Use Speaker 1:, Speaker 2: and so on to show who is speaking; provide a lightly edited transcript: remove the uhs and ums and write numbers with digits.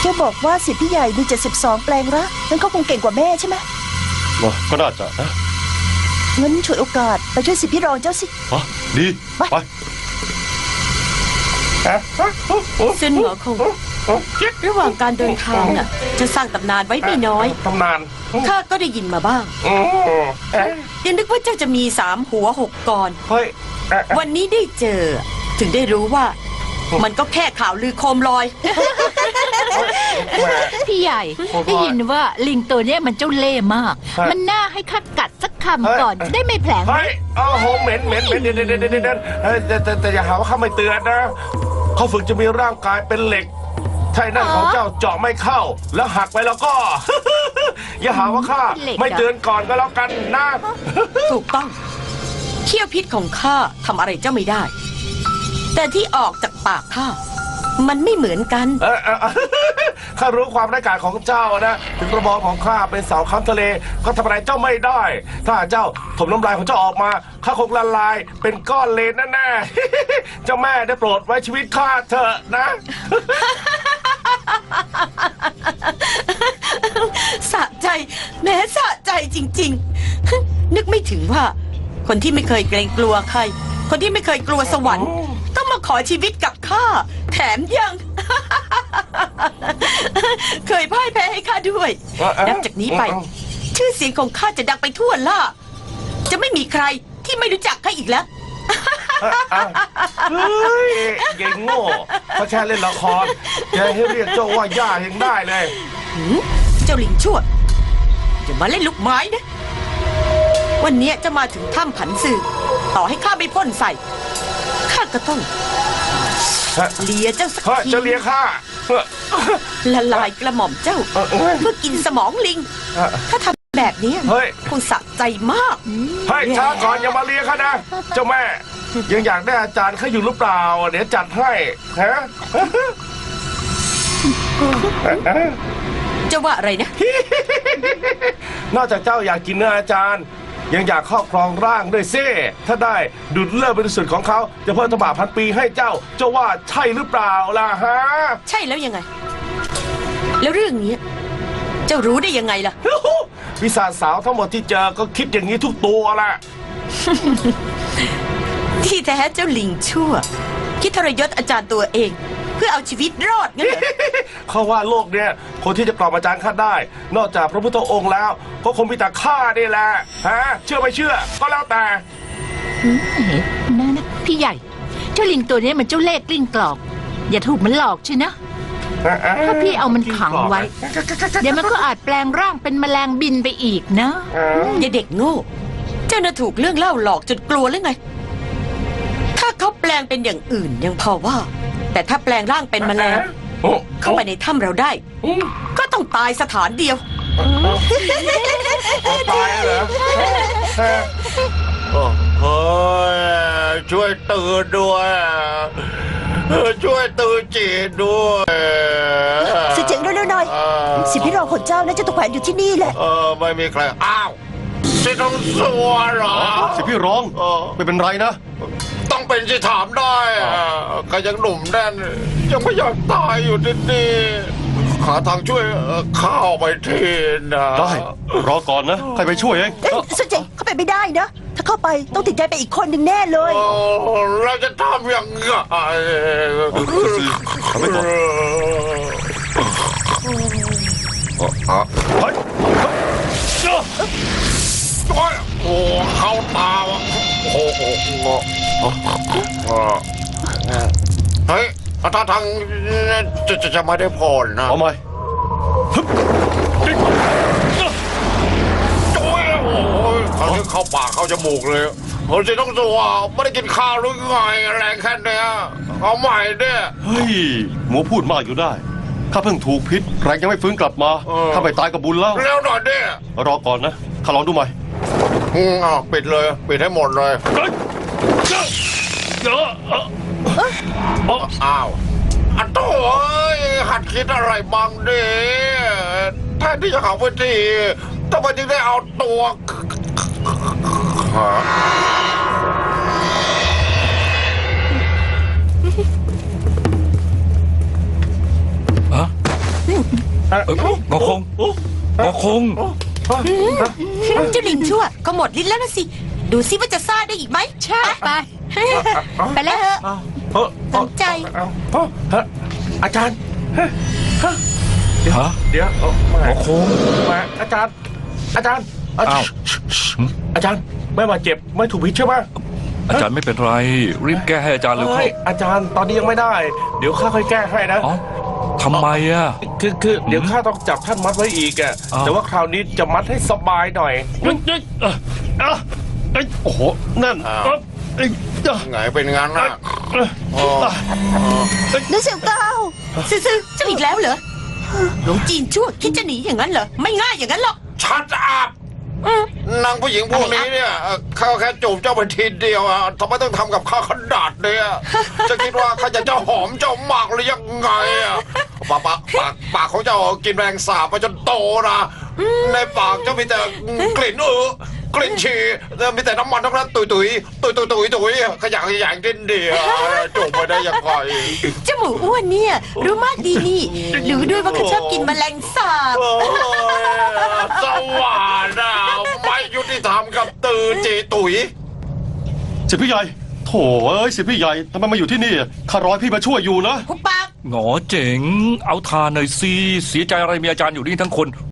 Speaker 1: จะบอกว่าสิทธิ์พี่ใหญ่มี72 แปลงรักงั้นเขาคงเก่งกว่าแม่ใช่ไหม
Speaker 2: ก็น่าจะนะ
Speaker 1: งั้นฉวยโอกาสไปช่วยสิทธิ์พี่รองเจ้าสิ
Speaker 2: ดีไป
Speaker 3: ซึ่งหมอคงระหว่างการเดินทางน่ะจะสร้างตำนานไว้ไม่น้อย
Speaker 4: ตำนาน
Speaker 3: ข้าก็ได้ยินมาบ้างยังนึกว่าเจ้าจะมี3 หัว 6 กรวันนี้ได้เจอถึงได้รู้ว่ามันก็แค่ข่าวลือโคมลอย
Speaker 5: พี่ใหญ่ได้ยินว่าลิงตัวนี้มันเจ้าเล่ห์มากมันน่าให้ข้ากัดสักคำก่อนจะได้ไม่แผลง
Speaker 4: เฮ้ยโอ้โหเหม็นเด่นแต่อย่าหาว่าข้าไม่เตือนนะเขาฝึกจะมีร่างกายเป็นเหล็กถ้านั่นของเจ้าเจาะไม่เข้าแล้วหักไปแล้วก็ อย่าหาว่าข้าไม่เตือนก่อนก็แล้วกันนะ
Speaker 3: ถูกต้องเขี้ยวพิษของข้าทำอะไรเจ้าไม่ได้แต่ที่ออกจากปากข้ามันไม่เหมือนกัน
Speaker 4: ข้ารู้ความร้ายกาจของเจ้านะถึงกระบอกของข้าเป็นเสาค้ำทะเลก็ทำอะไรเจ้าไม่ได้ถ้าเจ้าถมน้ำลายของเจ้าออกมาข้าคงละลายเป็นก้อนเลนแน่ๆเจ้าแม่ได้โปรดไว้ชีวิตข้าเถอะนะ
Speaker 3: สะใจแม้สะใจจริงๆนึกไม่ถึงว่าคนที่ไม่เคยเกรงกลัวใครคนที่ไม่เคยกลัวสวรรค์ต้องมาขอชีวิตกับข้าแถมยัง เคยพ่ายแพ้ให้ข้าด้วยนับจากนี้ไปชื่อเสียงของข้าจะดังไปทั่วล่าจะไม่มีใครที่ไม่รู้จักข้าอีกแล้ว
Speaker 4: เฮ้ยเก่งโง่เขาแค่เล่นละครจะให้เรียกเจ้าว่าย่ายังได้เลย
Speaker 3: เจ้าลิงชั่วอย่ามาเล่นลูกไม้นะวันนี้จะมาถึงถ้ำผันซือต่อให้ข้าไม่พ่นใส่ข้าก็ต้องเลียเจ้าสักที
Speaker 4: จะเลียข้า
Speaker 3: ละลายกระหม่อมเจ้าเพื่อกินสมองลิงถ้าทำแบบนี้คงสะใจมาก
Speaker 4: เฮ้ยช้าก่อนอย่ามาเลียข้านะเจ้าแม่ยังอยากได้อาจารย์ข้าอยู่หรือเปล่าเดี๋ยวจัดให้ฮะ
Speaker 3: จะว่าอะไรนะ
Speaker 4: นอกจากเจ้าอยากกินเนื้ออาจารย์ยังอยากครอบครองร่างด้วยซิถ้าได้ดุจเลิศบริสุทธิ์ของเขาจะเพิ่มตบะพันปีให้เจ้าว่าใช่หรือเปล่าล่ะฮะ
Speaker 3: ใช่แล้วยังไงแล้วเรื่องนี้เจ้ารู้ได้ยังไงล่ะ
Speaker 4: วิสาสาวทั้งหมดที่เจอก็คิดอย่างนี้ทุกตัวแหละ
Speaker 3: ที่แท้เจ้าลิงชั่วคิดทรยศอาจารย์ตัวเองเพื่อเอาชีวิตรอดงั้นเหรอ
Speaker 4: เขาว่าโลกเนี้ยคนที่จะกล่อมอาจารย์ข้าได้ นอกจากพระพุทธองค์แล้วก็คงมีแต่ข้านี่แหละฮะเชื่อไม่เชื่อก็แล้วแต่
Speaker 5: นะพี่ใหญ่เจ้าลิงตัวนี้มันเจ้าเล่ห์กลิ้งกลอกอย่าถูกมันหลอกใช่นะถ้าพี่เอามันขังไว้เดี๋ยวมันก็อาจแปลงร่างเป็นแมลงบินไปอีกนะ
Speaker 3: อย่าเด็กโง่เจ้าน่ะถูกเรื่องเล่าหลอกจนกลัวหรือไงถ้าเขาแปลงเป็นอย่างอื่นยังพอว่าแต่ถ้าแปลงร่างเป็นแมลงเข้าไปในถ้ำเราได้ก็ต้องตายสถานเดียว
Speaker 4: ตายเหรอ
Speaker 6: เฮ้ยช่วยตื่นด้วยช่วยตื่นจีนด้วย
Speaker 1: เสียงเร็วๆหน่อยสิทธิ์พี่รองของเจ้าน่าจะตกแขวนอยู่ที่นี่แหละ
Speaker 6: ไม่มีใครอ้าวสิต้องสัวเหรอ
Speaker 2: สิทธิ์พี่รองไม่เป็นไรนะ
Speaker 6: ต้องเป็นที่ถามได้ก็ยังหนุ่มแน่นยังไม่อยากตายอยู่ที่นี่หาทางช่วยข้าไปทีนะ
Speaker 2: ได้รอก่อนนะใครไปช่วยเอง
Speaker 1: สุดเจ๋งเข้าไปไม่ได้นะถ้าเข้าไปต้องติดใจไปอีกคนหนึ่งแน่เลย
Speaker 6: เราจะทำยังไง
Speaker 2: ทำไปก่อน
Speaker 6: โอ้เข้าตาโอ้โหเฮ้ยถ้าทางจะไม่ได้ผลนะ
Speaker 2: เอาไหม
Speaker 6: โอ้ยเขาที่เข้าปากเข้าจมูกเลยเขาจะต้องตัวไม่ได้กินข้าวหรือไงแรงแค่เนี้ยเอาใหม่เนี่ย
Speaker 2: เฮ้ยหมูพูดมากอยู่ได้ข้าเพิ่งถูกพิษแรงยังไม่ฟื้นกลับมาข้าไปตายกับบุญแล้ว
Speaker 6: แล้วหน่อยเนี่ย
Speaker 2: รอก่อนนะข้าลองดูใหม่
Speaker 6: ปิดเลยปิดให้หมดเลยอ้าวอันโต้หัดคิดอะไรบ้างดิแทนที่จะหาวิธีทำไมจึงได้เอาตัว
Speaker 5: น
Speaker 7: งอคงงอคง
Speaker 3: เจ้าลิงชั่วก็หมดลิ้นแล้วนะสิ ดูซิว่าจะซ่าได้อีกไหม
Speaker 5: ใช่ไป
Speaker 3: ไปแล้วเถอะ สนใจ
Speaker 4: อาจารย์
Speaker 7: ฮะ
Speaker 4: เดี๋ยว
Speaker 7: งอคง
Speaker 4: มาอาจารย์ อาจารย์
Speaker 7: อ้าว
Speaker 4: อาจารย์ไม่บาดเจ็บไม่ถูกพิษใช่ไหม
Speaker 7: อาจารย์ไม่เป็นไร รีบแก้ให้อาจารย์เร็วเข้า
Speaker 4: อาจารย์ตอนนี้ยังไม่ได้ เดี๋ยวข้าค่อยแก้ให้นะ
Speaker 7: อ๋อทำไมอ่ะ
Speaker 4: คือเดี๋ยวข้าต้องจับท่านมัดไว้อีกอ่ะ
Speaker 7: อ้าว
Speaker 4: แต่ว่าคราวนี้จะมัดให้สบายหน่อย
Speaker 2: โอ้โห นั่น
Speaker 6: ไงเป็นงั้นนะอ๋อ
Speaker 1: นึกเสียงเก้า
Speaker 3: ซื่อๆเจ้าอีกแล้วเหรอ หลวงจีนชั่วคิดจะหนีอย่างนั้นเหรอ ไม่ง่ายอย่างนั้นหรอก
Speaker 6: ชัดอัพนางผู้หญิงพวกนี้เนี่ยข้าแค่จูบเจ้าไปทีเดียวอะทำไมต้องทำกับข้าขนาดเนี่ยจะคิดว่าข้าจะเจ้าหอมเจ้ามากหรือยังไงอะปากของเจ้ากินแมลงสาบมาจนโตนะในปากเจ้ามีแต่กลิ่นกลิ่นฉี่มีแต่น้ำมันทั้งนั้นตุยขยะดินเดียวจูบไปได้ยังไง
Speaker 3: เจ้าหมูอ้วนเนี่ย รู้มากดีนี่รู้ด้วยว่าเขาชอบกินแมลงสาบ
Speaker 6: โอ้ยสว่านอ่ะไม่ยุติธรรมกับตือจีตุ๋ย
Speaker 2: สิพี่ใหญ่โถเอ้ยสิพี่ใหญ่ทำไมมาอยู่ที่นี่ข้ารอให้พี่มาช่วยอยู่นะ
Speaker 3: หุบปาก
Speaker 7: หงอเจ๋ง เอาทานหน่อยสิเสียใจอะไรมีอาจารย์อยู่นี่ทั้งคน